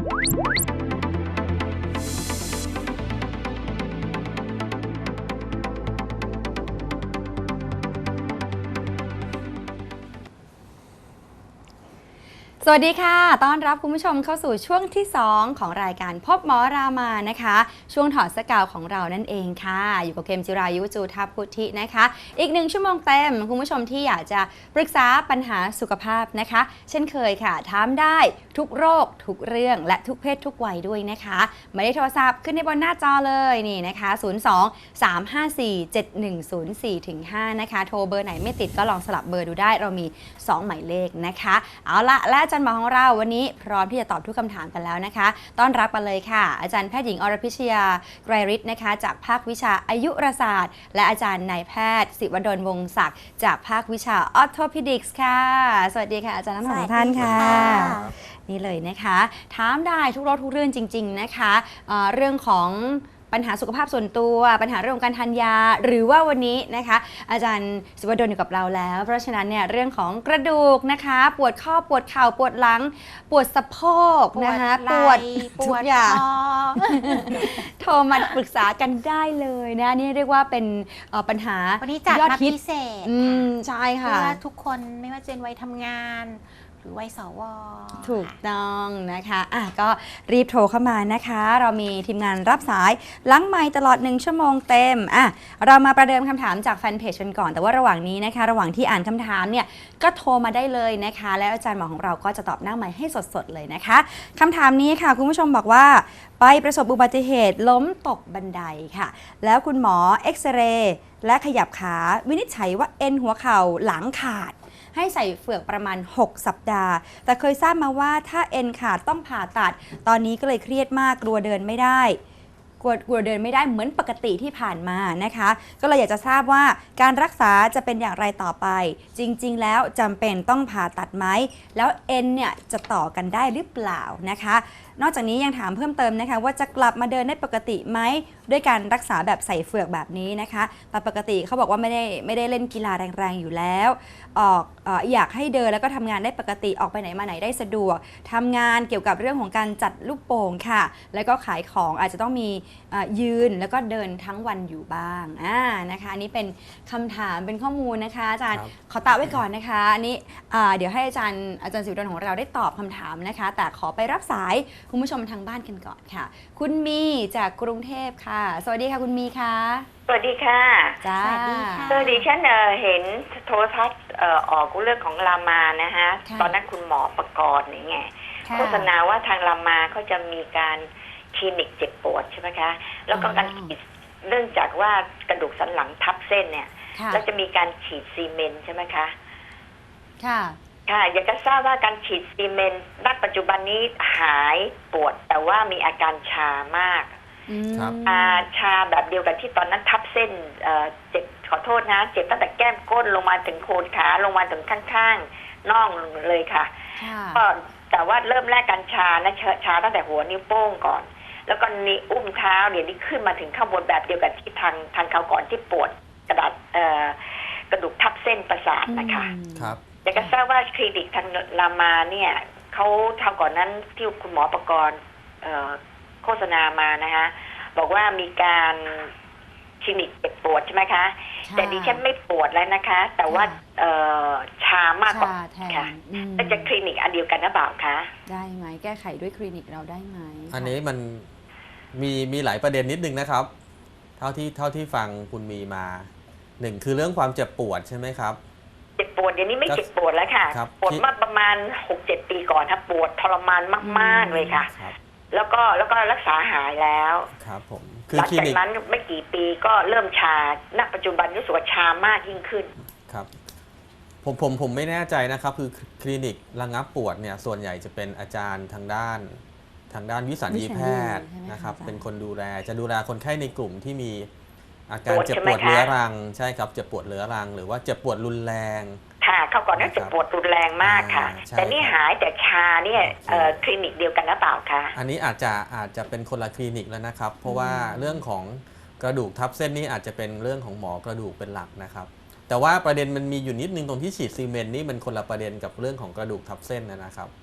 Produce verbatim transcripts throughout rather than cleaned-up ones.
สวัสดีค่ะต้อนรับคุณผู้ชมเข้าสู่ช่วงที่สองของรายการพบหมอรามานะคะช่วงถอดสกาวของเรานั่นเองค่ะอยู่กับเกมจิรายุจูทัพพุทธินะคะอีกหนึ่งชั่วโมงเต็มคุณผู้ชมที่อยากจะปรึกษาปัญหาสุขภาพนะคะเช่นเคยค่ะถามได้ทุกโรคทุกเรื่องและทุกเพศทุกวัยด้วยนะคะหมายเลขโทรศัพท์ขึ้นในบนหน้าจอเลยนี่นะคะศูนย์ สอง สาม ห้า สี่ เจ็ด หนึ่ง ศูนย์ สี่ ถึง ห้านะคะโทรเบอร์ไหนไม่ติดก็ลองสลับเบอร์ดูได้เรามีสองหมายเลขนะคะเอาละและอาจารย์หมอของเราวันนี้พร้อมที่จะตอบทุกคำถามกันแล้วนะคะต้อนรับกันเลยค่ะอาจารย์แพทย์หญิงอรพิชยาไกรฤทธิ์นะคะจากภาควิชาอายุรศาสตร์และอาจารย์นายแพทย์ศิวดลวงศักดิ์จากภาควิชาออร์โธพิดิกส์ค่ะสวัสดีค่ะอาจารย์ทั้งสองท่านค่ะนี่เลยนะคะถามได้ทุกโรคทุกเรื่องจริงๆนะคะเอ่อเรื่องของปัญหาสุขภาพส่วนตัวปัญหาเรื่องของการทานยาหรือว่าวันนี้นะคะอาจารย์ศิวดลอยู่กับเราแล้วเพราะฉะนั้นเนี่ยเรื่องของกระดูกนะคะปวดข้อปวดเข่าปวดหลังปวดสะโพกนะคะปวดทุกอย่างโทรมาปรึกษากันได้เลยนะนี่เรียกว่าเป็นปัญหาวันนี้จัดมาพิเศษอืมใช่ค่ะเพื่อทุกคนไม่ว่าจะเป็นวัยทำงานหรือวัยสวถูกต้องนะคะอ่ะก็รีบโทรเข้ามานะคะเรามีทีมงานรับสายล้างไมค์ตลอดหนึ่งชั่วโมงเต็มอ่ะเรามาประเดิมคำถามจากแฟนเพจกันก่อนแต่ว่าระหว่างนี้นะคะระหว่างที่อ่านคำถามเนี่ยก็โทรมาได้เลยนะคะแล้วอาจารย์หมอของเราก็จะตอบหน้าไมค์ให้สดๆเลยนะคะคำถามนี้ค่ะคุณผู้ชมบอกว่าไปประสบอุบัติเหตุล้มตกบันไดค่ะแล้วคุณหมอเอ็กซเรย์และขยับขาวินิจฉัยว่าเอ็นหัวเข่าหลังขาดให้ใส่เฝือกประมาณหกสัปดาห์แต่เคยทราบมาว่าถ้าเอ็นขาดต้องผ่าตัดตอนนี้ก็เลยเครียดมากกลัวเดินไม่ได้กลัวกลัวเดินไม่ได้เหมือนปกติที่ผ่านมานะคะก็เลยอยากจะทราบว่าการรักษาจะเป็นอย่างไรต่อไปจริงๆแล้วจำเป็นต้องผ่าตัดไหมแล้วเอ็นเนี่ยจะต่อกันได้หรือเปล่านะคะนอกจากนี้ยังถามเพิ่มเติมนะคะว่าจะกลับมาเดินได้ปกติไหมด้วยการรักษาแบบใส่เฝือกแบบนี้นะคะแต่ปกติเขาบอกว่าไม่ได้ไม่ได้เล่นกีฬาแรงๆอยู่แล้วออกเอ่ออยากให้เดินแล้วก็ทำงานได้ปกติออกไปไหนมาไหนได้สะดวกทำงานเกี่ยวกับเรื่องของการจัดลูกโป่งค่ะแล้วก็ขายของอาจจะต้องมียืนแล้วก็เดินทั้งวันอยู่บ้างอ่านะคะอันนี้เป็นคำถามเป็นข้อมูลนะคะอาจารย์ขอตอบไว้ก่อนนะคะอันนี้เดี๋ยวให้อาจารย์อาจารย์ศิวดลของเราได้ตอบคำถามนะคะแต่ขอไปรับสายคุณผู้ชมทางบ้านกันก่อนค่ะคุณมีจากกรุงเทพค่ะสวัสดีค่ะคุณมีค่ะสวัสดีค่ะจ้าสวัสดีค่ะสวัสดีฉันเห็นโทรทัศน์ออกเรื่องของรามานะฮะตอนนั้นคุณหมอประกรณ์นี่ไงโฆษณาว่าทางรามาเขาจะมีการคลินิกเจ็บปวดใช่ไหมคะแล้วก็การฉีดเนื่องจากว่ากระดูกสันหลังทับเส้นเนี่ยแล้วจะมีการฉีดซีเมนต์ใช่ไหมคะค่ะค่ะอยากจะทราบว่าการฉีดซีเมนต์ณปัจจุบันนี้หายปวดแต่ว่ามีอาการชามากชาแบบเดียวกันที่ตอนนั้นทับเส้นเจ็บขอโทษนะเจ็บตั้งแต่แก้มก้นลงมาถึงโคนขาลงมาถึงข้างๆน่องเลยค่ะก็แต่ว่าเริ่มแรกการชานะชาตั้งแต่หัวนิ้วโป้งก่อนแล้วก็นิ้วอุ้มเท้าเดี๋ยวนี้ขึ้นมาถึงข้างบนแบบเดียวกันที่ทางทางเขาก่อนที่ปวดกระดาษกระดูกทับเส้นประสาทนะคะครับอยากจะทราบว่าคลินิกทางรามาเนี่ยเขาทำก่อนนั้นที่คุณหมอประกรณ์โฆษณามานะคะบอกว่ามีการคลินิกเจ็บปวดใช่ไหมคะแต่ดิฉันไม่ปวดแล้วนะคะแต่ว่าชามากกว่าค่ะแล้วจะคลินิกอันเดียวกันหรือเปล่าคะได้ไหมแก้ไขด้วยคลินิกเราได้ไหมอันนี้มันมีมีหลายประเด็นนิดนึงนะครับเท่าที่เท่าที่ฟังคุณมีมาหนึ่งคือเรื่องความเจ็บปวดใช่ไหมครับเจ็บปวดเดี๋ยวนี้ไม่เจ็บปวดแล้วค่ะปวดมาประมาณ หกเจ็ด ปีก่อนครับปวดทรมานมากๆเลยค่ะแล้วก็แล้วก็รักษาหายแล้วครับผมหลังจากนั้นไม่กี่ปีก็เริ่มชาณปัจจุบันรู้สึกว่าชามากยิ่งขึ้นครับผมผมผมไม่แน่ใจนะครับคือคลินิกระงับปวดเนี่ยส่วนใหญ่จะเป็นอาจารย์ทางด้านทางด้านวิสัญญีแพทย์นะครับเป็นคนดูแลจะดูแลคนไข้ในกลุ่มที่มีอาการเจ็บปวดเรื้อรังใช่ครับเจ็บปวดเรื้อรังหรือว่าเจ็บปวดรุนแรงค่ะเขาก่อนนั้นเจ็บปวดรุนแรงมากค่ะแต่นี่หายแต่ชาเนี่ยคลินิกเดียวกันหรือเปล่าคะอันนี้อาจจะอาจจะเป็นคนละคลินิกแล้วนะครับเพราะว่าเรื่องของกระดูกทับเส้นนี้อาจจะเป็นเรื่องของหมอกระดูกเป็นหลักนะครับแต่ว่าประเด็นมันมีอยู่นิดนึงตรงที่ฉีดซีเมนต์นี่มันคนละประเด็นกับเรื่องของกระดูกทับเส้นนะครับ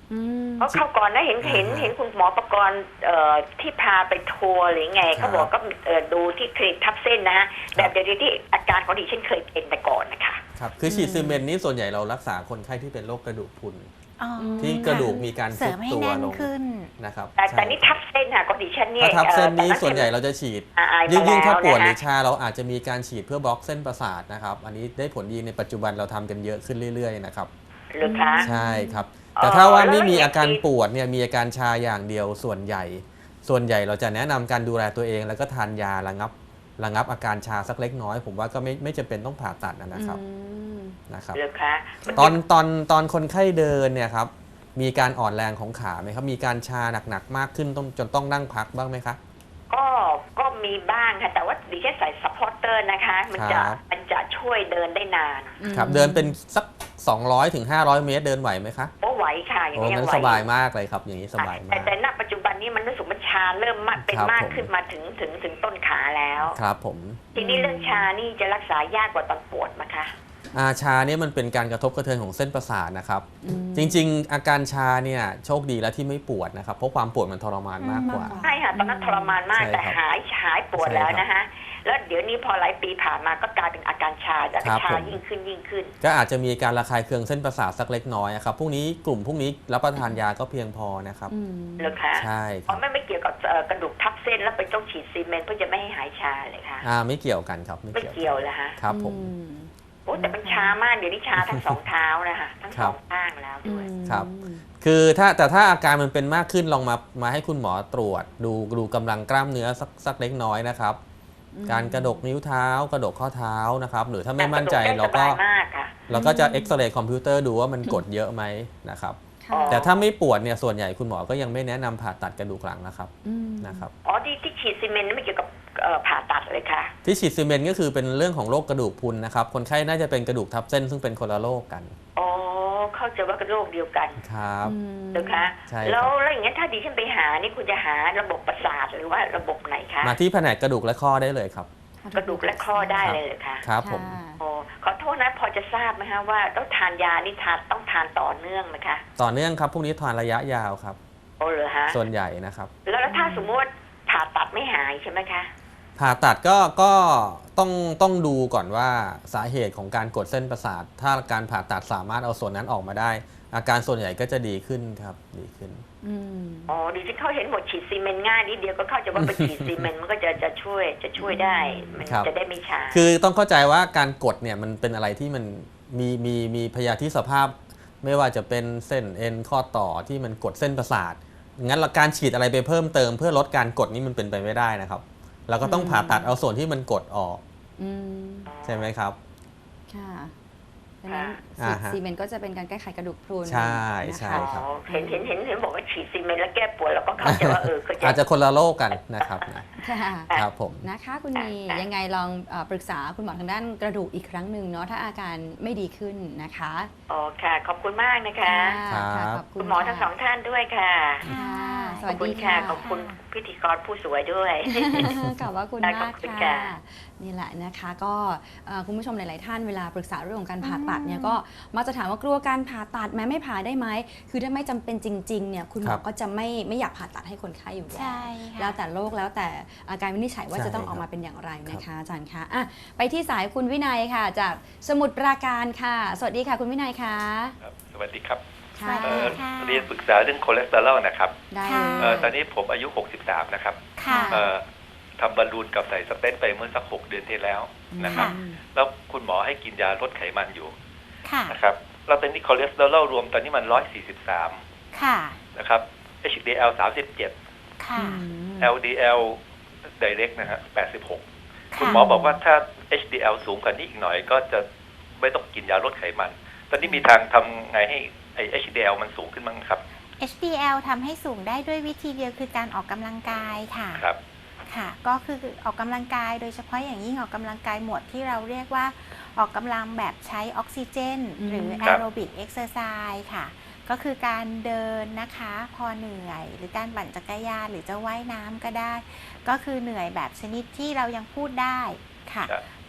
อืมเพราะเข้าก่อนนะเห็นเห็นอ่าเห็นคุณหมอประกรณ์เอ่อที่พาไปทัวร์หรือไงครัเขาบบอกก็เอ่อดูที่คลินิกทับเส้นนะฮะแบบเดียวที่อาการของดิฉันเคยเป็นแต่ก่อนนะคะครับคือฉีดซีเมนต์นี้ส่วนใหญ่เรารักษาคนไข้ที่เป็นโรคกระดูกพรุนอ๋อที่กระดูกมีการเสริซุมดให้ตัวแน่นลงขึ้นนะครับแต่แต่ใช่นี่ทับเส้นค่ะของดิฉันเนี่ยถ้าทับเส้นนี้อ่อส่วนใหญ่เราจะฉีดอ่าอายยิ่งมายิ่งถ้าแล้วปวดหรือนะชาเราอาจจะมีการฉีดเพื่อบล็อกเส้นประสาทนะครับ อันนี้ได้ผลดีในปัจจุบันเราทำกันเยอะขึ้นเรื่อยๆนะครับหรือคะใช่ครับอ๋อแต่ถ้าว่าแล้วไม่มีอย่างอาการที่ปวดเนี่ยมีอาการชาอย่างเดียวส่วนใหญ่ ส่วนใหญ่เราจะแนะนำการดูแลตัวเอง แล้วก็ทานยาระงับระงับอาการชาสักเล็กน้อย ผมว่าก็ไม่ไม่จำเป็นต้องผ่าตัดนะครับอืมนะครับหรือคะตอนตอนตอนคนไข้เดินเนี่ยครับมีการอ่อนแรงของขาไหมครับมีการชาหนักๆมากขึ้นต้องจนต้องนั่งพักบ้างไหมครับก็ก็มีบ้างค่ะแต่ว่าดิฉันใส่ซัพพอร์เตอร์นะคะ มันจะครับมันจะช่วยเดินได้นานครับเดินเป็นสักสองร้อยถึงห้าร้อยเมตรเดินไหวไหมคะโอ้ไหวค่ะอย่างโอ้นี้ยังั้งนไหวสบายมากเลยครับอย่างนี้สบายแต่มากแต่ณปัจจุบันนี้มันรู้สึกมันชาเริ่มมากเป็นครับมากผมขึ้นมาถึงถึงถึงต้นขาแล้วครับผมทีนี้เรื่องชานี่จะรักษายากกว่าตอนปวดไหมคะอาชาเนี่ยมันเป็นการกระทบกระเทือนของเส้นประสาทนะครับอืมจริงๆ อาการชาเนี่ยโชคดีแล้วที่ไม่ปวดนะครับเพราะความปวดมันทรมานมากกว่าอืมใช่ค่ะตอนนั้นทรมานมากใช่แต่ครับหายหายปวดใช่แล้วครับนะคะแล้วเดี๋ยวนี้พอหลายปีผ่านมาก็กลายเป็นอาการชาจะครับชาผมยิ่งขึ้นยิ่งขึ้นก็อาจจะมีการระคายเคืองเส้นประสาทสักเล็กน้อยอะครับพวกนี้กลุ่มพวกนี้รับประทานยาก็เพียงพอนะครับอืมเหรอคะใช่คอ๋รัอบ ไม่ไม่เกี่ยวกับเอ่อกระดูกทับเส้นแล้วไปต้องฉีดซีเมนต์เพื่อจะไม่ให้หายชาเลยค่ะอ่าไม่เกี่ยวกันครับไม่ไม่เกี่ยวเกี่ยวเลยฮะครับผมอืมโอ้แต่มันชามากเดี๋ยวนี้ชาทั้งสองเท้านะคะทั้งครัสอบ งข้างแล้วด้วยครับ คือถ้าแต่ถ้าอาการมันเป็นมากขึ้นลองมามาให้คุณหมอตรวจ ดูดูกำลังกล้ามเนื้อสักสักเล็กน้อยนะครับอืมการกระดกนิ้วเท้ากระดกข้อเท้านะครับ หรือถ้าไม่มั่นใจแต่เรากระก็ดูได้สบายมากค่ะเราก็จะเอ็กซเรย์คอมพิวเตอร์ดูว่ามันกดเยอะไหมนะครับค่ะแต่ถ้าไม่ปวดเนี่ยส่วนใหญ่คุณหมอก็ยังไม่แนะนำผ่าตัดกระดูกหลังนะครับอืมนะครับอ๋อที่ที่ฉีดซีเมนต์นี่ไม่เกี่ยวกับเอ่อผ่าตัดเลยค่ะที่ฉีดซีเมนต์ก็คือเป็นเรื่องของโรคกระดูกพรุนนะครับคนไข้น่าจะเป็นกระดูกทับเส้นซึ่งเป็นคนละโรคกันอ๋อเข้าใจว่าเป็นโรคเดียวกันครับอืมนะคะใช่ครับแล้วแล้วอย่างนี้นถ้าดิฉันไปหานี่คุณจะหาระบบประสาทหรือว่าระบบไหนคะมาที่แผนกกระดูกและข้อได้เลยครับกระดูกและข้อได้เลยเหรอคะครับผมค่ะอ๋อขอโทษนะพอจะทราบไหมคะว่าต้องทานยานี่ทานต้องทานต่อเนื่องไหมคะต่อเนื่องครับพวกนี้ทานระยะยาวครับโอ้เหรอฮะส่วนใหญ่นะครับแล้วแล้วถ้าสมมติว่าผ่าตัดไม่หายใช่ไหมคะผ่าตัดก็ก็ต้องต้องดูก่อนว่าสาเหตุของการกดเส้นประสาท ถ้าการผ่าตัดสามารถเอาส่วนนั้นออกมาได้ อาการส่วนใหญ่ก็จะดีขึ้นครับดีขึ้นอืมอ๋อดิฉันเขาเห็นหมดฉีดซีเมนต์ง่ายนิดเดียวก็เข้าใจว่าไปฉีดซีเมนต์มันก็จะจะช่วยจะช่วยได้ มันครับจะได้ไม่ช้าคือต้องเข้าใจว่าการกดเนี่ยมันเป็นอะไรที่มันมีมีมีพยาธิสภาพ ไม่ว่าจะเป็นเส้นเอ็นข้อต่อที่มันกดเส้นประสาทงั้นการฉีดอะไรไปเพิ่มเติมเพื่อลดการกดนี่มันเป็นไปไม่ได้นะครับเราก็ต้องผ่าตัดเอาส่วนที่มันกดออกอืมใช่ไหมครับค่ะดังนั้นอ่าฉีดฮะซีเมนต์ก็จะเป็นการแก้ไขกระดูกพรุนใช่นะคะใช่อ๋อครับเห็นเห็นเห็นเห็นบอกว่าฉีดซีเมนต์แล้วแก้ปวดแล้วก็เข้าใจว่าเออก็จะอาจจะคนละโรคกันนะครับนะค่ะครับผมนะคะคุณมียังไงลองเออปรึกษาคุณหมอทางด้านกระดูกอีกครั้งหนึ่งเนาะถ้าอาการไม่ดีขึ้นนะคะอ๋อค่ะ ขอบคุณมากนะคะค่ะครับขอบคุคุณ ณหมอทั้งสองท่านด้วยค่ะค่ะสขวัอสบคุดีณค่ะค่ะขอบคุณพิธีกรผู้สวยด้วยขอบว่าคุณได้มากขอบคุณค่ะค่ะนี่แหละนะคะก็เอ่อคุณผู้ชมหลาย ๆ ท่านเวลาปรึกษาเรื่องของการผ่าตัดเนี่ยก็มักจะถามว่ากลัวการผ่าตัดแม้ไม่ผ่าได้ไหมคือถ้าไม่จำเป็นจริง ๆ เนี่ยคุณหมครัอบ ก็จะไม่ไม่อยากผ่าตัดให้คนไข้อยู่แล้วใช่แล้ค่ะวแต่โรคแล้วแต่อาการวินิจฉัยว่าใช่จะต้องครับออกมาเป็นอย่างไรนะคะอาจารย์คะอ่ะไปที่สายคุณวินัยค่ะ จากสมุทรปราการค่ะ สวัสดีค่ะคุณวินัยค่ะครับสวัสดีครับค่ะสวัสเอ่ดีอค่ะเรียนปรึกษาเรื่องคอเลสเตอรอลนะครับได้ค่ะเอ่อตเลอนยนี้ผมอายุ หกสิบสาม นะครับค่ะเอ่อทำบอลลูนกับใส่สเตนต์ไปเมื่อสัก หก เดือนที่แล้วนะครับค่ะแล้วคุณหมอให้กินยาลดไขมันอยู่ค่ะนะครับแล้วตอนนี้คอเลสเตอรอลรวมตอนนี้มัน หนึ่งร้อยสี่สิบสามค่ะนะครับ เอช ดี แอล สามสิบเจ็ดค่ะแอล ดี แอล Direct นะฮะแปดสิบหก คุณค่ะหมอบอกว่าถ้า เอช ดี แอล สูงกว่านี้อีกหน่อยก็จะไม่ต้องกินยาลดไขมัน ตอนนี้มีทางทำไงให้ไอ เอช ดี แอล มันสูงขึ้นบ้างครับเอช ดี แอล ทำให้สูงได้ด้วยวิธีเดียวคือการออกกำลังกายค่ะครับค่ะ ก็คือออกกำลังกายโดยเฉพาะอย่างยิ่งออกกำลังกายหมวดที่เราเรียกว่าออกกำลังแบบใช้ออกซิเจนอืมหรือคแอรับโรบิกเอ็กซ์เซอร์ไซส์ค่ะ ก็คือการเดินนะคะพอเหนื่อย หรือการปั่นจักรยานหรือจะว่ายน้ำก็ได้ ก็คือเหนื่อยแบบชนิดที่เรายังพูดได้ค่ะครับ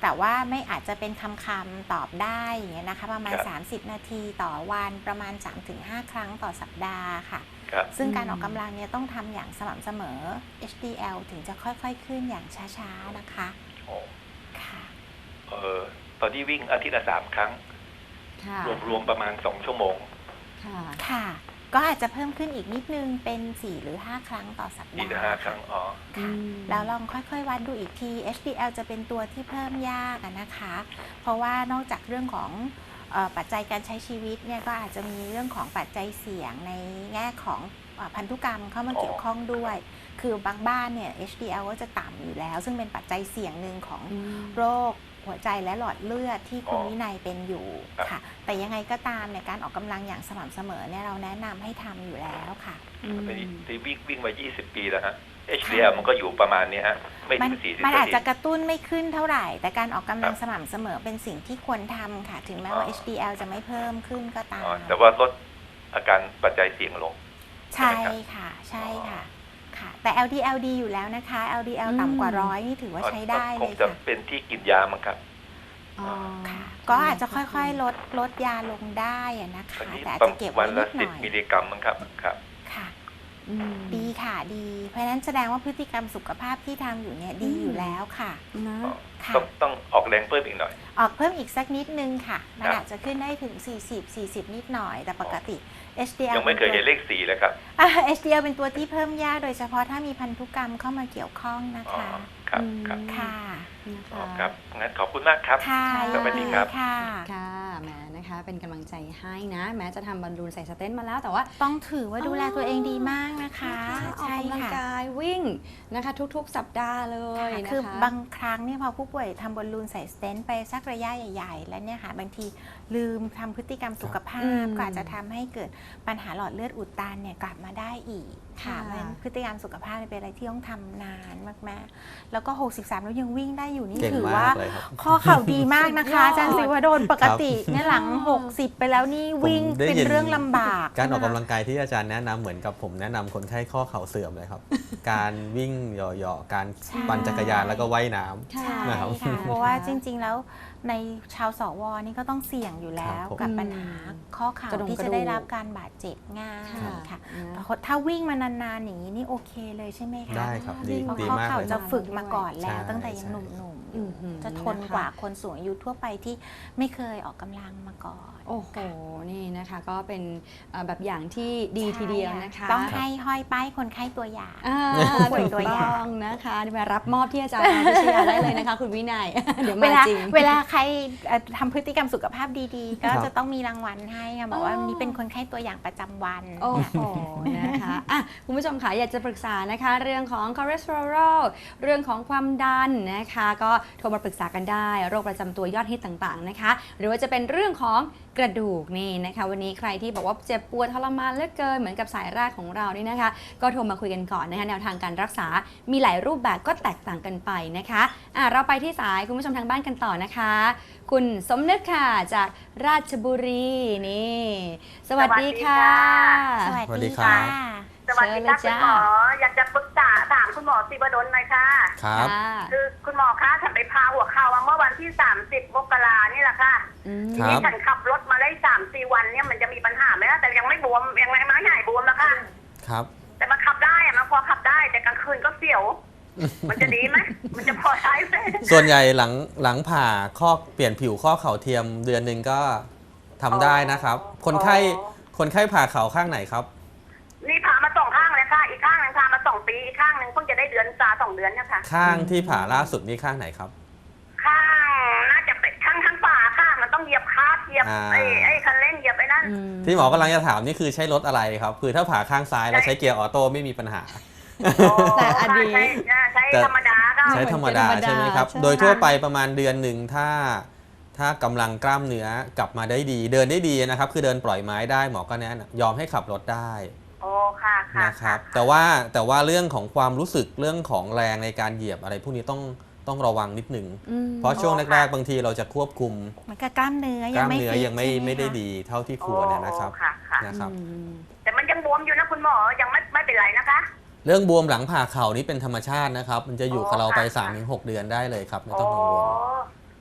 แต่ว่าไม่อาจจะเป็นคำคำๆตอบได้อย่างเงี้ยนะคะประมาณครับสามสิบ นาทีต่อวันประมาณ สามถึงห้า ครั้งต่อสัปดาห์ค่ะครับซึ่งการอืมออกกำลังเนี่ยต้องทำอย่างสม่ำเสมอ เอช ดี แอล ถึงจะค่อยๆขึ้นอย่างช้าๆนะคะโอ้ค่ะเออตอนนี้วิ่งอาทิตย์ละสามครั้งค่ะรวมๆประมาณสองชั่วโมงค่ะค่ะ ก็อาจจะเพิ่มขึ้นอีกนิดนึงเป็น สี่ หรือ ห้า ครั้งต่อสัปนี่ดาห์นะห้าครั้งอ๋อค่ะอืมแล้วลองค่อยๆวัดดูอีกที เอช ดี แอล จะเป็นตัวที่เพิ่มยากอะนะคะ เพราะว่านอกจากเรื่องของเอ่อปัจจัยการใช้ชีวิตเนี่ยก็อาจจะมีเรื่องของปัจจัยเสี่ยงในแง่ของเอ่อพันธุกรรมเข้ามาเกี่ยวข้องด้วย คือบางบ้านเนี่ย เอช ดี แอล ก็จะต่ำอยู่แล้ว ซึ่งเป็นปัจจัยเสี่ยงหนึ่งของอืมโรคหัวใจและหลอดเลือดที่คุณอ๋อวินัยเป็นอยู่ครับค่ะ แต่ยังไงก็ตามเนี่ยการออกกำลังอย่างสม่ำเสมอเนี่ยเราแนะนำให้ทำอยู่แล้วค่ะอืมที่ที่วิ่งวิ่งมายี่สิบปีแล้วฮะ เอช ดี แอล มันก็อยู่ประมาณนี้ฮะ ไม่มัถึงสี่สิบมันอาจนาทีจะกระตุ้นไม่ขึ้นเท่าไหร่ แต่การออกกำลังครับสม่ำเสมอเป็นสิ่งที่ควรทำค่ะ ถึงแม้ว่าอ๋อเอช ดี แอล จะไม่เพิ่มขึ้นก็ตามอ๋อแต่ว่าลดอาการปัจจัยเสี่ยงลงใช่ค่ะ ใช่ค่ะค่ะ แต่ แอล ดี แอล ดี อยู่แล้วนะคะ แอล ดี แอลอืมต่ำกว่าร้อยนี่ถือว่าใช้ได้คเลงยจะค่ะเป็นที่กินยามั้งครับอ๋อค่ะ ก็อาจจะค่อยๆ ลดลดยาลงได้อะนะตอคะนนี้แต่อาจประจะเก็บวัไว้นนิละดหสิบน่อยมิลลิกรัมมั้งครับครับค่ะอืมดีค่ะดี เพราะฉะนั้นแสดงว่าพฤติกรรมสุขภาพที่ทำอยู่เนี่ยดีอยู่แล้วค่ะนะค่ะต้องต้องออกแรงเพิ่มอีกหน่อยออกเพิ่มอีกสักนิดนึงค่ะ มันครับอาจจะขึ้นได้ถึง สี่สิบ สี่สิบ นิดหน่อย แต่ปกติ เอช ดี แอลยังไม่เคยเห็นเลขสี่เลยครับอ่า เอช ดี แอล เป็นตัวที่เพิ่มยากโดยเฉพาะถ้ามีพันธุกรรมเข้ามาเกี่ยวข้องนะอ๋อคะครับครับค่ะนะอ๋อคะครับงั้นขอบคุณมากครับค่ะสวัสดีครับค่ะค่ะแหมนะคะเป็นกำลังใจให้นะ แม้จะทำบอลลูนใส่สเตนต์มาแล้วแต่ว่าต้องถือว่าดูแลตัวเองดีมากนะคะออกใช่กำลังค่ะกายวิ่งนะคะทุกๆ สัปดาห์เลยนะคะคือบางครั้งเนี่ยพอผู้ป่วยทำบอลลูนใส่สเตนต์ไปสักระยะใหญ่ๆ แล้วเนี่ยค่ะบางทีลืมทำพฤติกรรมสุขภาอืพมก็อาจจะทำให้เกิดปัญหาหลอดเลือดอุดตันเนี่ยกลับมาได้อีกค่ะค่ะเพราะฉะนั้นพฤติกรรมสุขภาพเป็นอะไรที่ต้องทำนานมากๆ แล้วก็หกสิบสามแล้วยังวิ่งได้อยู่นี่เก่งถือมาว่ากเลยครับข้อเข่าดีมากนะคะสุดยอดอาจารย์ศิวดลปกติเนี่ยหลัง หกสิบ ไปแล้วนี่วิ่งผมได้เป็นยินเรื่องลำบากการออกใช่กำไหมลังกายที่อาจารย์แนะนำเหมือนกับผมแนะนำคนไข้ข้อเข่าเสื่อมเลยครับ การวิ่งเหยาะๆการใช่ปั่นจักรยานแล้วก็ว่ายน้ำใช่นะครับค่ะ เพราะว่าจริง ๆ แล้วในชาวสวนี่ก็ต้องเสี่ยงอยู่แล้วครับผมกับปัญหาข้อเข่ากระดงที่กระจะดูกได้รับการบาดเจ็บง่ายค่ะค่ะนะแต่ถ้าวิ่งมานานๆอย่างนี้นี่โอเคเลยใช่ไหมคะได้ครับดีเพราะดีข้อมากเข่าเลยคจะรับฝึกมาก่อนแล้วใช่ตั้งแต่ยังใช่หนุ่มอื้อหือๆ จะทนนะคะกว่าคนสูงอายุทั่วไปที่ไม่เคยออกกำลังมาก่อนโอ้โห นี่นะคะก็เป็นเอ่อแบบอย่างที่ดีทีเดียวนะคะต้องให้ห้อยป้ายคนไข้ตัวอย่างอ่าป่วยถูกตัวอย่างต้องนะคะมารับมอบที่อาจารย์พิชยาได้เลยนะคะ คุณวินัย เดี๋ยวเวมาลาจริงเวลาใครเอ่อทำพฤติกรรมสุขภาพดีๆ ก็ครับจะต้องมีรางวัลให้ค่ะบอกว่าอ๋อนี่เป็นคนไข้ตัวอย่างประจำวันโอ้โห นะคะอ่ะคุณผู้ชมค่ะอยากจะปรึกษานะคะ เรื่องของคอเลสเตอรอลเรื่องของความดันนะคะ ก็โทรมาปรึกษากันได้ โรคประจำตัวยอดฮิตต่างๆนะคะ หรือว่าจะเป็นเรื่องของกระดูกนี่นะคะ วันนี้ใครที่บอกว่าเจ็บปวดทรมานเหลือเกินเหมือนกับสายแรกของเรานี่นะคะ ก็โทรมาคุยกันก่อนนะคะแนวทางการรักษา มีหลายรูปแบบก็แตกต่างกันไปนะคะอ่ะเราไปที่สายคุณผู้ชมทางบ้านกันต่อนะคะ คุณสมนึกค่ะจากราชบุรีนี่ สวัสดีค่ะสวัสสวัสดีดีครัค่ะบสวัสดีค่ะเชิคุณญเลยหมจ้าออยากจะปรึกษาถามคุณหมอศิวดลหน่อยค่ะครับค่ะคือคุณหมอคะฉันไปพาหัวเข่ามาเมื่อวันที่สามสิบมกรานี่แหละค่ะอืมครับที่ฉันขับรถมาได้สามสี่วันเนี่ยมันจะมีปัญหาไหมล่ะแต่ยังไม่บวมยังไม่ไม่หายบวมแล้วค่ะครับแต่มันขับได้อะมันพอขับได้แต่กลางคืนก็เสียว มันจะดีไหมมันจะพอใช้ไหมส่วนใหญ่หลังหลังผ่าข้อเปลี่ยนผิวข้อเข่าเทียมเดือนหนึ่งก็ทำได้นะครับ คนไข้คนไข้ผ่าเข่าข้างไหนครับนี่พามาสองข้างเลยค่ะ อีกข้างหนึงพามาสองปีอีกข้างหนึงเพิ่งจะได้เดือนซาสองเดือนเนี่ยค่ะข้างที่ผ่าล่าสุดนี่ข้างไหนครับข้างน่าจะเป็นข้างข้างฝาค่ะมันต้องเหยียบคาร์ทเหยียบอ่าไอ้ไอ้คันเร่งเหยียบไอ้นั่นอืมที่หมอกำลังจะถามนี่คือใช้รถอะไรครับคือถ้าผ่าข้างซ้ายแล้วใช้เกียร์ออโต้ไม่มีปัญหาแต่อันนี้ใช้ใช้ธรรมดาก็ใช้ธรรมดาเหมือนเป็นธรรมดาใช่ไหมครับใช่โดยทั่วไปประมาณเดือนหนึ่งถ้าถ้ากำลังกล้ามเนื้อกลับมาได้ดี เดินได้ดีนะครับ คือเดินปล่อยไม้ได้หมอก็แนะนำยอมให้ขับรถได้โอ้ค่ะค่ะนะครับ แต่ว่าแต่ว่าเรื่องของความรู้สึกเรื่องของแรงในการเหยียบอะไรพวกนี้ต้องต้องระวังนิดหนึ่งอืมเพราะช่วงแรกๆบางทีเราจะควบคุมมันก็กล้ามเนื้อก ยัล้าง มไม่เนื้อฟิตยังไม่ใช่หไม่ได้คะดีเท่าที่ควรเนี่ยนะครับโอ้ค่ะค่ะนะครับอืมแต่มันยังบวมอยู่นะคุณหมอยังไม่ไม่เป็นไรนะคะเรื่องบวมหลังผ่าเข่านี่เป็นธรรมชาตินะครับ มันจะอยู่กับเราไปอ๋อค่ะสามถึงหก เดือนได้เลยครับไม่โอ้ต้องกังวล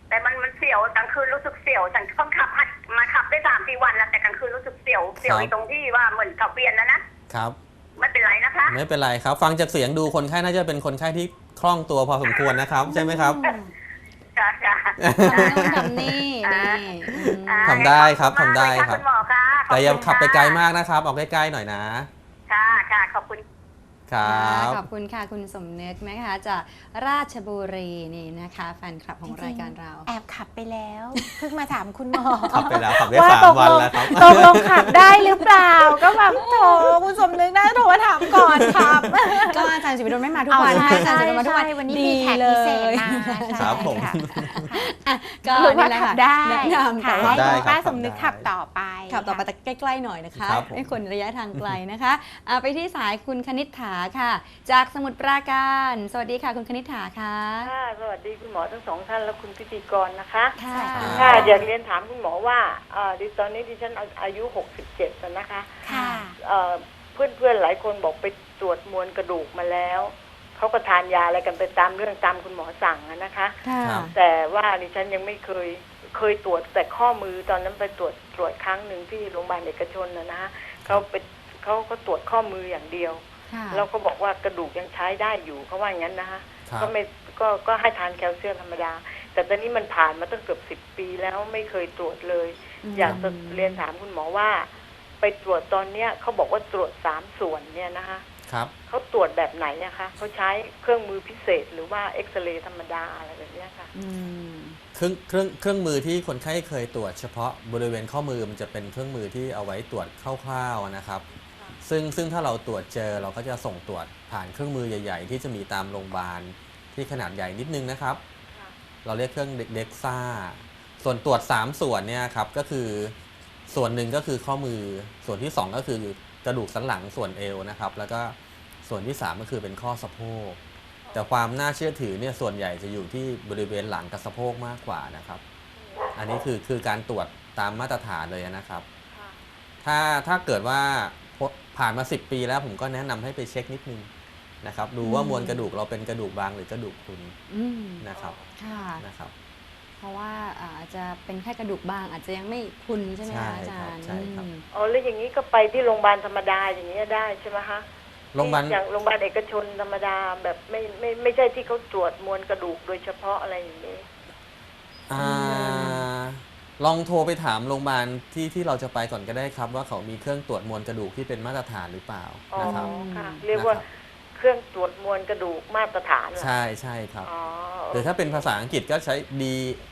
เสียวกลางคืนรู้สึกเสียวฉันเพิ่งขับมาขับได้สามสี่วันแล้วแต่กลางคืนรู้สึกเสียวเสียวตรงที่ว่าเหมือนขับเวียนแล้วนะครับไม่เป็นไรนะคะไม่เป็นไรครับฟังจากเสียงดูคนไข้น่าจะเป็นคนไข้ที่คล่องตัวพอสมควรนะครับใช่ไหมครับค่ะค่ะทำนี่นี่ทำได้ครับทำได้ครับคุณหมอค่ะแต่อย่าขับไปไกลมากนะครับออกใกล้ๆหน่อยนะค่ะค่ะขอบคุณครับขอบคุณค่ะคุณสมนึกนะคะจากราชบุรีนี่นะคะแฟนคลับของรายการเราแอบขับไปแล้วเพิ่งมาถามคุณหมอขับไปแล้วขับได้สามวันแล้วครับตกลงขับได้หรือเปล่าก็แบบโถคุณสมนึกนะโทรมาถามก่อนครับก็อาจารย์ศิวิโรจน์ไม่มาทุกวันอาจารย์ศิวิโรจน์มาทุกวันวันนี้มีแขกพิเศษมาครับผมก็นี่แหละค่ะได้แนะนำแต่ว่าป้าสมนึกขับต่อไปขับต่อไปแต่ใกล้ๆหน่อยนะคะไม่ควรระยะทางไกลนะคะไปที่สายคุณคณิษฐาค่ะจากสมุทรปราการสวัสดีค่ะคุณคณิษฐาค่ะค่ะสวัสดีคุณหมอทั้งสองท่านและคุณพิธีกรนะคะค่ะค่ะอยากเรียนถามคุณหมอว่าดิตอนนี้ดิฉันอายุหกสิบเจ็ดแล้วนะคะค่ะเพื่อนเพื่อนหลายคนบอกไปตรวจมวลกระดูกมาแล้วเขาก็ทานยาอะไรกันไปตามเรื่องตามคุณหมอสั่งนะคะแต่ว่าดิฉันยังไม่เคยเคยตรวจแต่ข้อมือตอนนั้นไปตรวจตรวจครั้งหนึ่งที่โรงพยาบาลเอกชนนะนะเขาไปเขาก็ตรวจข้อมืออย่างเดียวเราก็บอกว่ากระดูกยังใช้ได้อยู่เขาว่าอย่างนั้นนะคะก็ไม่ก็ก็ให้ทานแคลเซียมธรรมดาแต่ตอนนี้มันผ่านมาตั้งเกือบสิบปีแล้วไม่เคยตรวจเลยอยากจะเรียนถามคุณหมอว่าไปตรวจตอนเนี้ยเขาบอกว่าตรวจสามส่วนเนี่ยนะคะครับเขาตรวจแบบไหนนะคะเขาใช้เครื่องมือพิเศษหรือว่าเอ็กซเรย์ธรรมดาอะไรแบบนี้ค่ะเครื่องเครื่องเครื่องมือที่คนไข้เคยตรวจเฉพาะบริเวณข้อมือมันจะเป็นเครื่องมือที่เอาไว้ตรวจคร่าวๆนะครับซึ่งซึ่งถ้าเราตรวจเจอเราก็จะส่งตรวจผ่านเครื่องมือใหญ่ๆที่จะมีตามโรงพยาบาลที่ขนาดใหญ่นิดนึงนะครับเราเรียกเครื่องเด็กซ่าส่วนตรวจสามส่วนเนี่ยครับก็คือส่วนหนึ่งก็คือข้อมือส่วนที่สองก็คือกระดูกสันหลังส่วนเอวนะครับแล้วก็ส่วนที่สามก็คือเป็นข้อสะโพกแต่ความน่าเชื่อถือเนี่ยส่วนใหญ่จะอยู่ที่บริเวณหลังกับสะโพกมากกว่านะครับอันนี้คือคือการตรวจตามมาตรฐานเลยนะครับถ้าถ้าเกิดว่าผ่านมาสิบปีแล้วผมก็แนะนำให้ไปเช็คนิดนึงนะครับดูว่ามวลกระดูกเราเป็นกระดูกบางหรือกระดูกพรุนนะครับนะครับเพราะว่าอาจจะเป็นแค่กระดูกบางอาจจะยังไม่พรุนใช่ไหมคะอาจารย์ใช่ครับอ๋อแล้วอย่างนี้ก็ไปที่โรงพยาบาลธรรมดาอย่างนี้ได้ใช่ไหมคะโรงพยาบาลอย่างโรงพยาบาลเอกชนธรรมดาแบบไม่ไม่ไม่ใช่ที่เขาตรวจมวลกระดูกโดยเฉพาะอะไรอย่างนี้อ่าลองโทรไปถามโรงพยาบาลที่ที่เราจะไปก่อนก็ได้ครับว่าเขามีเครื่องตรวจมวลกระดูกที่เป็นมาตรฐานหรือเปล่านะครับเรียกว่าเครื่องตรวจมวลกระดูกมาตรฐานใช่ใช่ครับหรือถ้าเป็นภาษาอังกฤษก็ใช้ D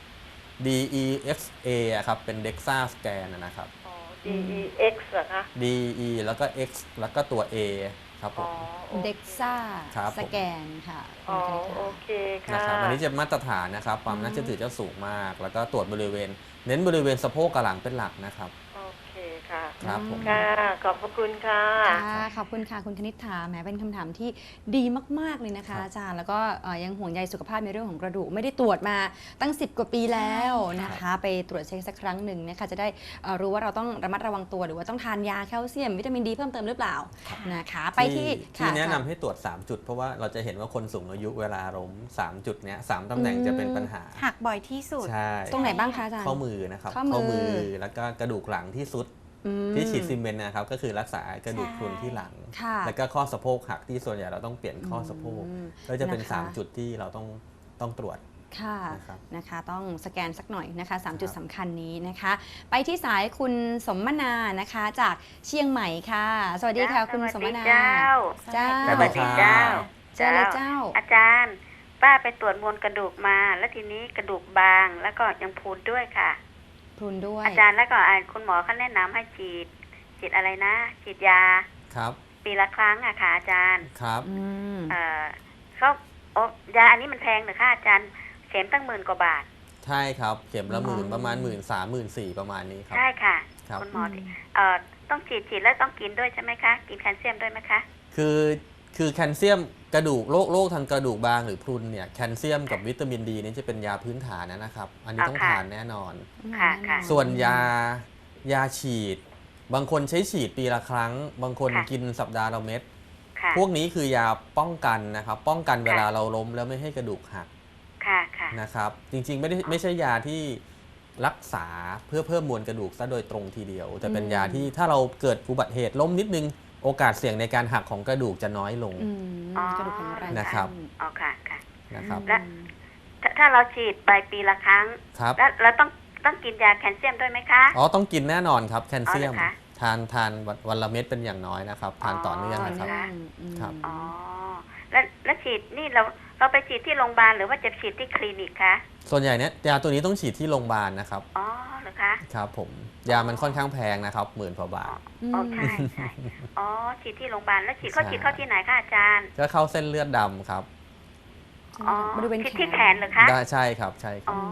D E X A ครับเป็น Dexa Scan นะครับ D E X เหรอคะ D E แล้วก็ X แล้วก็ตัว A ครับผม Dexa Scan ค่ะอ๋อโอเคค่ะนะครับอันนี้จะมาตรฐานนะครับความน่าเชื่อถือจะสูงมากแล้วก็ตรวจบริเวณเน้นบริเวณสะโพกกับหลังเป็นหลักนะครับโอเคค่ะครับผมค่ะขอบพระคุณค่ะค่ะขอบคุณค่ะคุณคณิษฐาแหมเป็นคำถามที่ดีมากๆเลยนะคะอาจารย์แล้วก็ยังห่วงใยสุขภาพในเรื่องของกระดูกไม่ได้ตรวจมาตั้งสิบกว่าปีแล้วนะคะไปตรวจเช็คสักครั้งหนึ่งนะคะจะได้รู้ว่าเราต้องระมัดระวังตัวหรือว่าต้องทานยาแคลเซียมวิตามินดีเพิ่มเติมหรือเปล่านะคะไปที่ที่แนะนำให้ตรวจสามจุดเพราะว่าเราจะเห็นว่าคนสูงอายุเวลาล้มสามจุดเนี้ยสามตำแหน่งจะเป็นปัญหาหักบ่อยที่สุดใช่ตรงไหนบ้างคะอาจารย์ข้อมือนะครับข้อมือแล้วก็กระดูกหลังที่สุดที่ฉีดซีเมนต์นะครับก็คือรักษากระดูกพรุนที่หลังแล้วก็ข้อสะโพกหักที่ส่วนใหญ่เราต้องเปลี่ยนข้อสะโพกก็จะเป็นสามจุดที่เราต้องต้องตรวจค่ะนะคะต้องสแกนสักหน่อยนะคะสามจุดสำคัญนี้นะคะไปที่สายคุณสมนานะคะจากเชียงใหม่ค่ะสวัสดีค่ะคุณสมนาเจ้าเจ้าสวัสดีเจ้าเจ้าเลยเจ้าอาจารย์ป้าไปตรวจมวลกระดูกมาแล้วทีนี้กระดูกบางแล้วก็ยังพูนด้วยค่ะพูนด้วยอาจารย์แล้วก็คุณหมอเขาแนะนำให้ฉีดฉีดอะไรนะฉีดยาครับปีละครั้งอะค่ะอาจารย์ครับเออเขาโอ้ยาอันนี้มันแพงเหรอคะอาจารย์เข็มตั้งหมื่นกว่าบาทใช่ครับเข็มละหมื่นประมาณหมื่นสามหมื่นสี่ประมาณนี้ครับใช่ค่ะคุณหมอเอ่อต้องฉีดฉีดแล้วต้องกินด้วยใช่ไหมคะกินแคลเซียมด้วยไหมคะคือคือแคลเซียมกระดูกโรคโรคทางกระดูกบางหรือพรุนเนี่ยแคลเซียมกับวิตามินดีนี่จะเป็นยาพื้นฐานนะครับอันนี้ต้องทานแน่นอนส่วนยายาฉีดบางคนใช้ฉีดปีละครั้งบางคนกินสัปดาห์ละเม็ดพวกนี้คือยาป้องกันนะครับป้องกันเวลาเราล้มแล้วไม่ให้กระดูกหักค่ะค่ะนะครับจริงๆไม่ได้ไม่ใช่ยาที่รักษาเพื่อเพิ่มมวลกระดูกซะโดยตรงทีเดียวแต่เป็นยาที่ถ้าเราเกิดอุบัติเหตุล้มนิดนึงโอกาสเสี่ยงในการหักของกระดูกจะน้อยลงอืมกระดูกแข็งแรงนะครับอ๋อค่ะค่ะนะครับและ ถ้าถ้าเราฉีดไปปีละครั้งครับแล้วเราต้องต้องกินยาแคลเซียมด้วยไหมคะอ๋อต้องกินแน่นอนครับแคลเซียมอ๋อเหรอคะทานทานวันวันละเม็ดเป็นอย่างน้อยนะครับทานต่อเนื่องต่อนะครับเนื่องอืมครับอ๋อแล้วแล้วฉีดนี่เราเราไปฉีดที่โรงพยาบาลหรือว่าจะฉีดที่คลินิกคะส่วนใหญ่เนี่ยยาตัวนี้ต้องฉีดที่โรงพยาบาลนะครับอ๋อเหรอคะครับผมยามันค่อนข้างแพงนะครับหมื่นกว่าบาทอ๋อใช่ใช่อ๋อฉีดที่โรงพยาบาลแล้วฉีดเขาฉีดเข้าที่ไหนคะอาจารย์ก็เข้าเส้นเลือดดำครับอ๋อบริเวณที่แขนที่แขนเหรอคะได้ใช่ครับใช่คอ๋รัอบ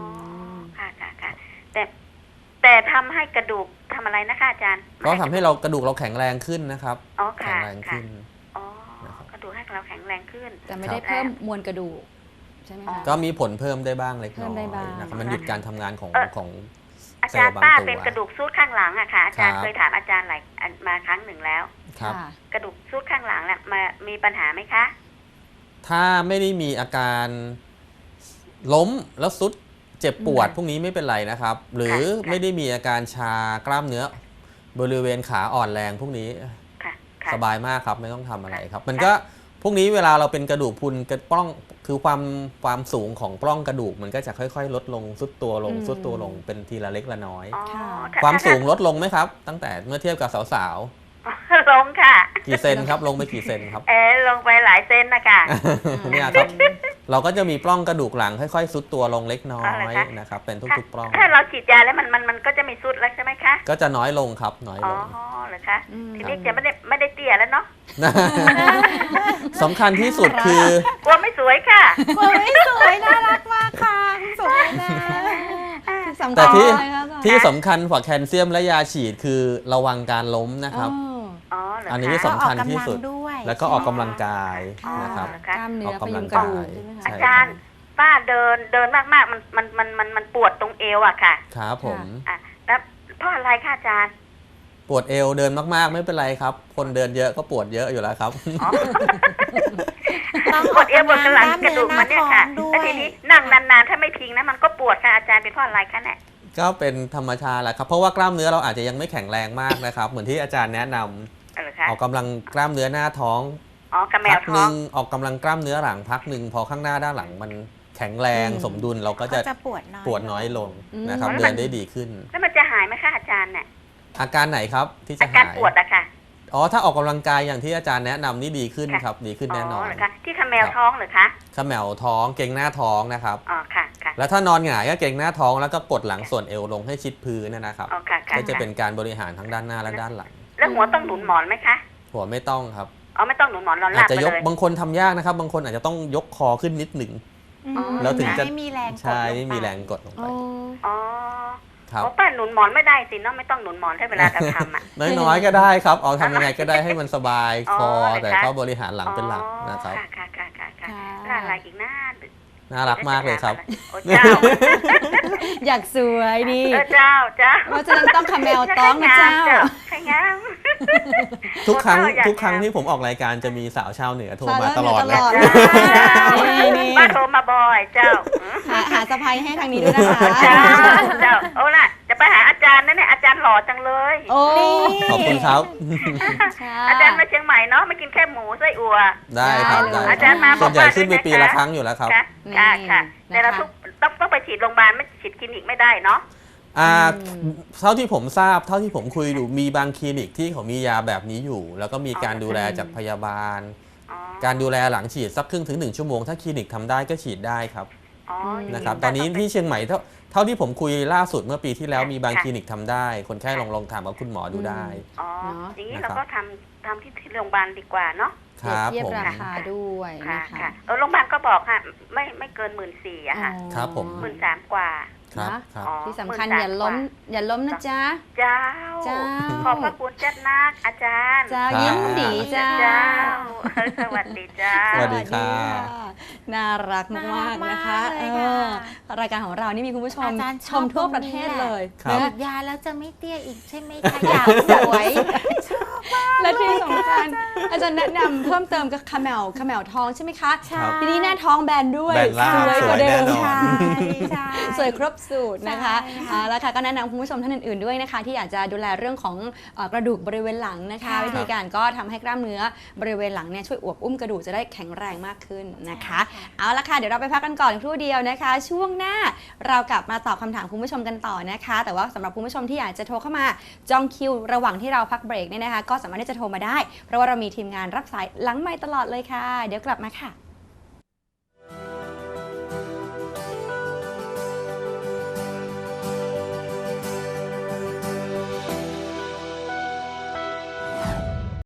ค่ะค่ะค่ะแต่แต่ทำให้กระดูกทำอะไรนะคะอาจารย์ก็ทำให้เรากระดูกเราแข็งแรงขึ้นนะครับอ๋อแข็ค่ะงแรงค่ะขึ้นอ๋อนะครับกระดูกให้เราแข็งแรงขึ้นแต่ไม่ได้เพิ่มมวลกระดูกใช่ไหมคะก็มีผลเพิ่มได้บ้างเล็กน้อเพิ่มได้ยบ้างนะครับมันหยุดการทำงานของเอ่อของอาเซลจารล์ย์บางป้าตัวเป็นกระดูกซูดข้างหลังอะค่ะอาจารย์ครับเคยถามอาจารย์หลายอันมาครั้งหนึ่งแล้วครับค่ะกระดูกซูดข้างหลังเนี่ยมามีปัญหาไหมคะถ้าไม่ได้มีอาการล้มแล้วสุดเจ็บปวดอืมพวกนี้ไม่เป็นไรนะครับ หรือค่ะไม่ได้มีอาการชากล้ามเนื้อบริเวณขาอ่อนแรงพวกนี้ค่ะค่ะสบายมากครับไม่ต้องทำอะไรครับ มันก็พวกนี้เวลาเราเป็นกระดูกพรุนกระปล้องคือความความสูงของปล้องกระดูกมันก็จะค่อยๆ ลดลงซุดตัวลงอืมซุดตัวลงเป็นทีละเล็กละน้อยอ๋อค่ะถ้ความถ้สูงลดลงไหมครับ ตั้งแต่เมื่อเทียบกับสาวลงค่ะๆกี่เซนครับลงไปกี่เซนครับเออลงไปหลายเซนนะคะเนี่ยครับ เราก็จะมีปล้องกระดูกหลังค่อยๆ ซุดตัวลงเล็กน้ออ๋อเหรอย คะนะครับเป็นทุกๆปล้องถ้าเราฉีดยาแล้วมันมันมันก็จะไม่สุดแล้วใช่ไหมคะก็จะน้อยลงครับน้อยอ๋ลอง เหรอคะอืมทีนี้จะไม่ได้ไม่ได้เตี้ยแล้วเนาะสำคัญที่สุดคือกลัวไม่สวยค่ะโอ้ยสวยน่ารักมากค่ะสวยนะสำคัญแต่ที่เลยค่ะที่สำคัญกว่าแคลเซียมและยาฉีดคือระวังการล้มนะครับอ๋อเหรอคะอันนี้สำคัญที่สุดก็ออกกำลังด้วยแล้วก็ออกกำลังกายอ๋อนะครับเหรอกล้ามเนื้อออกพกำลัยุงงกระดูกกายใช่ไหมคะใช่อาจารย์ป้าเดินเดินมากๆมันมันมันมันมันปวดตรงเอวอะค่ะครับผมอ่ะแล้วเพราะอะไรคะอาจารย์ปวดเอวเดินมากๆไม่เป็นไรครับ คนเดินเยอะก็ปวดเยอะอยู่แล้วครับอ๋อต้องปวดเอวปวดกระหลังกระดูกกล้ามมันเนื้เนี่อย หน้าค่ะท้องด้วยแล้วทีนี้นั่งนานๆถ้าไม่พิงนะมันก็ปวดค่ะอาจารย์เป็นเพราะอะไรคะเนี่ยก็เป็นธรรมชาติแหละครับเพราะว่ากล้ามเนื้อเราอาจจะยังไม่แข็งแรงมากนะครับ เหมือนที่อาจารย์แนะนำเหรอคะออกกำลังกล้ามเนื้อหน้าท้องอ๋อกระแมพัวหท้อนึ่งงออกกำลังกล้ามเนื้อหลังพักหนึ่งพอข้างหน้าด้านหลังมันแข็งแรงอืมสมดุลเราก็จะก็จะปวดน้อยปวดน้อยลงอืมนะครับแล้วเดิมันนได้ดีขึ้นแล้วมันจะหายไหมคะอาจารย์เนี่ยอาการไหนครับที่จะอาการหายปวดอะค่ะอ๋อถ้าออกกำลังกายอย่างที่อาจารย์แนะนำนี่ดีขึ้นค่ะครับดีขึ้นแน่นอนเหรอคะที่กระแมวท้องเหรือคะขมวท้องเกร็งหน้าท้องนะครับอ๋อค่ะค่ะแล้วถ้านอนหงายก็เกร็งหน้าท้องแล้วก็กดหลังส่วนเอวลงให้ชิดพื้นเนยนะครับอ๋อค่ะค่ะก็จะเป็นการบริหารทั้งด้านหน้าและด้านหลังแล้วหัวต้องหนุนหมอนไหมคะหัวไม่ต้องครับอ๋อไม่ต้องหนุนหมอนนอนอาลาจบจะไปยกเลยบางคนทำยากนะครับ บางคนอาจจะต้องยกคอขึ้นนิดหนึ่งอืมอ๋อแล้วถึงจะไม่มีแรงกดใช่ลงไม่ไปมีแรงกดลงไปอ๋ออ๋อครับอ๋อป้าหนุนหมอนไม่ได้สิเนาะไม่ต้องหนุนหมอนให้เวลาเราทำอ่ะน้อยๆก็ได้ครับเอาทำยังไงก็ได้ให้มันสบายอ๋อคอเหรอคะแต่ก็บริหารหลังเป็นหลักนะครับอ๋อค่ะค่ะค่ะค่ะค่ะแล้วอะไรอีกหน้าน่ารักมากเลยครับโอ้เจ้าอยากสวยดีเออเจ้าเจ้าเพราะฉะนั้นต้องคาแมวต้องนะเจ้าใครงามทุกครั้งโอ้เจ้าอยากทุกครั้งทำที่ผมออกรายการจะมีสาวชาวเหนือโทรสาวมาชาวตลอดเหนืเลอตลอดยนี่นี่ป้าโทรมาบ่อยเจ้าหาหาสะพายให้ทางนี้ด้วยนะคะเจ้าเจ้าโอ้ล่ะจะไปหาอาจารย์นั่นเนี่ยอาจารย์หล่อจังเลยโอ้ขอบคุณครับค่ะอาจารย์มาเชียงใหม่เนาะมากินแค่หมูไส้อั่วได้ครับได้ได้เลยอาจารย์มาส่วนใหญ่บอกว่าขึ้นไปด้วยนะคะปีละครั้งอยู่แล้วครับค่ะนี่ค่ะค่ะแต่เรานะคะทุกต้องต้องไปฉีดโรงพยาบาลไม่ฉีดคลินิกไม่ได้เนาะอ่าอืมเท่าที่ผมทราบเท่าที่ผมคุยดูมีบางคลินิกที่เขามียาแบบนี้อยู่ แล้วก็มีการดูแลจากพยาบาลอ๋อการดูแลหลังฉีดสักครึ่งถึงหนึ่งชั่วโมงถ้าคลินิกทำได้ก็ฉีดได้ครับอ๋ออย่างนะครับตอนนี้ที่เชียงใหม่เท่าเท่าที่ผมคุยล่าสุดเมื่อปีที่แล้วมีบางคลินิกทำได้ คนไข้ลองลองถามกับคุณหมอดูได้อ๋อเนาะอย่างนี้นะครับเราก็ทำทำที่ที่โรงพยาบาลดีกว่าเนาะครับเทียบผมราคาด้วยค่ะนะคะค่ะเออโรงพยาบาลก็บอกค่ะไม่ไม่เกินหมื่นสี่อะค่ะครับผมหมื่นสามกว่าครับนะครับอ๋อที่สำคัญหมื่นสามอย่าล้มกว่อย่าล้มนะจ๊ะเจ้าเจ้าขอบพระคุณจัดนักอาจารย์เจ้าครับยิ้มดีเจ้าเจ้าสวัสดีเจ้าสวัสดีครับน่ารักมากๆนะคะน่ารักมากเลยเอค่ะอรายการของเรานี่มีคุณผู้ชมอาจารย์ชชอบมทั่วตรงนี้ประเทศเลยครับนะฉีดยาแล้วจะไม่เตี้ยอีกใช่ไหมคะอยากสวย ชอบและที่สำคัญอาจารย์แนะนำเพิ่มเติมกับขมแมวขมแมวทองใช่ไหมคะทีนี้หน้าท้องแบนด้วยแบนล่างสวยกว่าเดิมสวยแน่นอนใช่ใช่สวยครบสูตรนะคะใช่ค่ะอ่าแล้วค่ะก็แนะนำคุณผู้ชมท่านอื่นๆด้วยนะคะ ที่อยากจะดูแลเรื่องของเอ่อกระดูกบริเวณหลังนะคะค่ะวิธีการก็ทำให้กล้ามเนื้อบริเวณหลังเนี่ยช่วยอวบอุ้มกระดูกจะได้แข็งแรงมากขึ้นนะคะ เอาละค่ะเดี๋ยวเราไปพักกันก่อนครู่เดียวนะคะ ช่วงหน้าเรากลับมาตอบคำถามคุณผู้ชมกันต่อนะคะ แต่ว่าสำหรับคุณผู้ชมที่อยากจะโทรเข้ามาจองคิวระหว่างที่เราพักเบรกเนี่ยนะคะ ก็สามารถที่จะโทรมาได้ เพราะว่าเรามีทีมงานรับสายหลังไมค์ตลอดเลยค่ะ เดี๋ยวกลับมาค่ะ